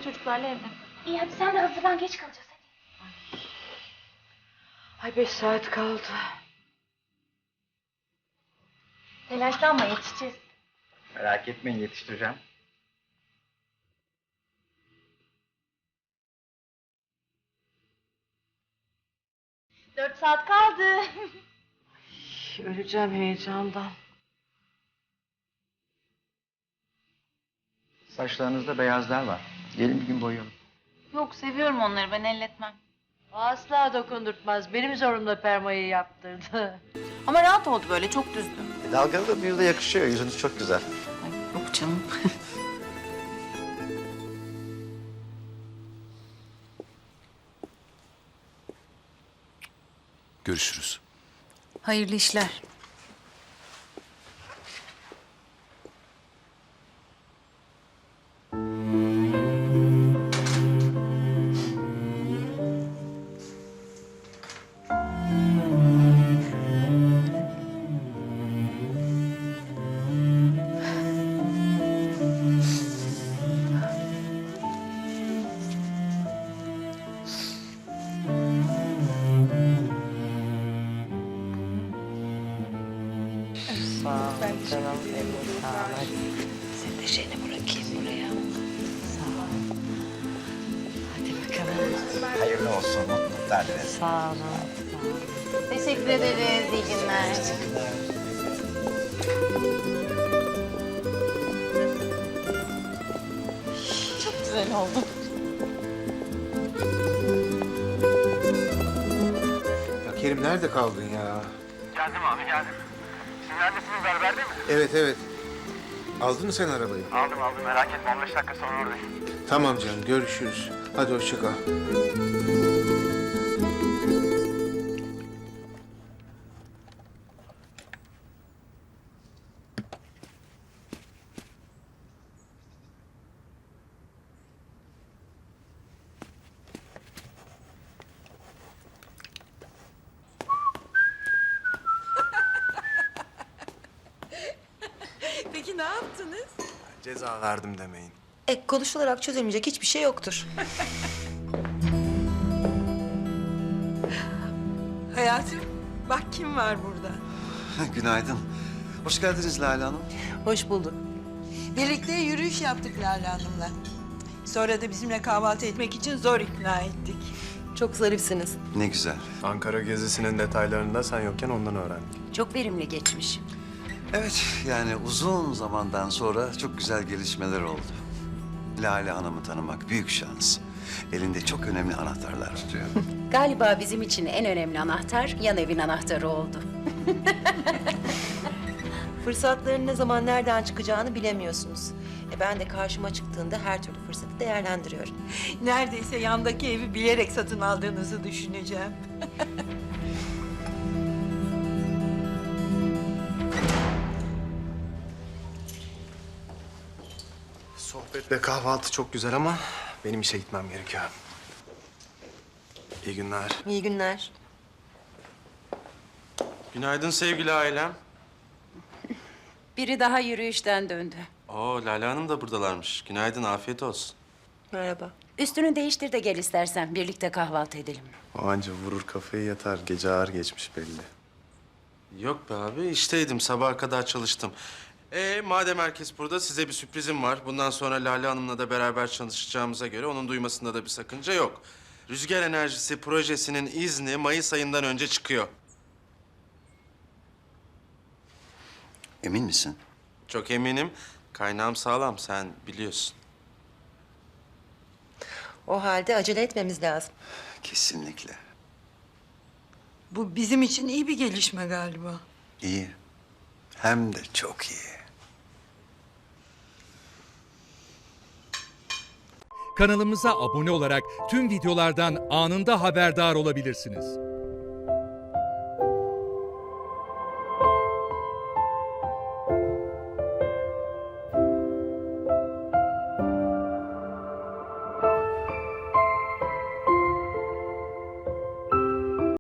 çocuklarla evde. İyi hadi sen de hazırlan, geç kalacağız hadi. Ay 5 saat kaldı. Telaşlanma, yetişeceğiz. Merak etmeyin, yetiştireceğim. Dört saat kaldı. Öleceğim heyecandan. Saçlarınızda beyazlar var. Gelin bir gün boyayalım. Yok, seviyorum onları, ben elletmem. Asla dokundurtmaz. Benim zorumla permayı yaptırdı. Ama rahat oldu böyle, çok düzdü. Dalgalı da bir de yakışıyor. Yüzünüz çok güzel. Ay, yok canım. Görüşürüz. Hayırlı işler. Sağ ol. Canım benim, sağ ol. Hadi. Seni de şeyini bırakayım buraya. Sağ ol. Hadi bakalım. Hayırlı olsun, mutluluklar dileriz. Sağ olun. Sağ olun. Teşekkür ederiz, iyi günler. Çok güzel oldu. Ya Kerim nerede kaldın ya? Geldim abi geldim. Siz neredesiniz, berberde mi? Evet evet. Aldın mı sen arabayı? Aldım merak etme, 15 dakika sonra oradayım. Tamam canım, görüşürüz. Hadi hoşça kal. Peki ne yaptınız? Ceza verdim demeyin. Konuşularak çözülmeyecek hiçbir şey yoktur. Hayatım, bak kim var burada. Günaydın. Hoş geldiniz Lale Hanım. Hoş bulduk. Birlikte yürüyüş yaptık Lale Hanım'la. Sonra da bizimle kahvaltı etmek için zor ikna ettik. Çok zarifsiniz. Ne güzel. Ankara gezisinin detaylarını da sen yokken ondan öğrendik. Çok verimli geçmiş. Evet, yani uzun zamandan sonra çok güzel gelişmeler oldu. Lale Hanım'ı tanımak büyük şans. Elinde çok önemli anahtarlar tutuyor. Galiba bizim için en önemli anahtar yan evin anahtarı oldu. Fırsatların ne zaman nereden çıkacağını bilemiyorsunuz. Ben de karşıma çıktığında her türlü fırsatı değerlendiriyorum. Neredeyse yandaki evi bilerek satın aldığınızı düşüneceğim. Sohbet ve kahvaltı çok güzel ama benim işe gitmem gerekiyor. İyi günler. İyi günler. Günaydın sevgili ailem. Biri daha yürüyüşten döndü. Oo, Lale Hanım da buradalarmış. Günaydın, afiyet olsun. Merhaba. Üstünü değiştir de gel istersen birlikte kahvaltı edelim. O anca vurur kafayı yatar. Gece ağır geçmiş belli. Yok be abi, işteydim. Sabaha kadar çalıştım. Madem herkes burada, size bir sürprizim var. Bundan sonra Lale Hanım'la da beraber çalışacağımıza göre onun duymasında da bir sakınca yok. Rüzgar Enerjisi projesinin izni Mayıs ayından önce çıkıyor. Emin misin? Çok eminim. Kaynağım sağlam, sen biliyorsun. O halde acele etmemiz lazım. Kesinlikle. Bu bizim için iyi bir gelişme galiba. İyi. Hem de çok iyi. Kanalımıza abone olarak tüm videolardan anında haberdar olabilirsiniz.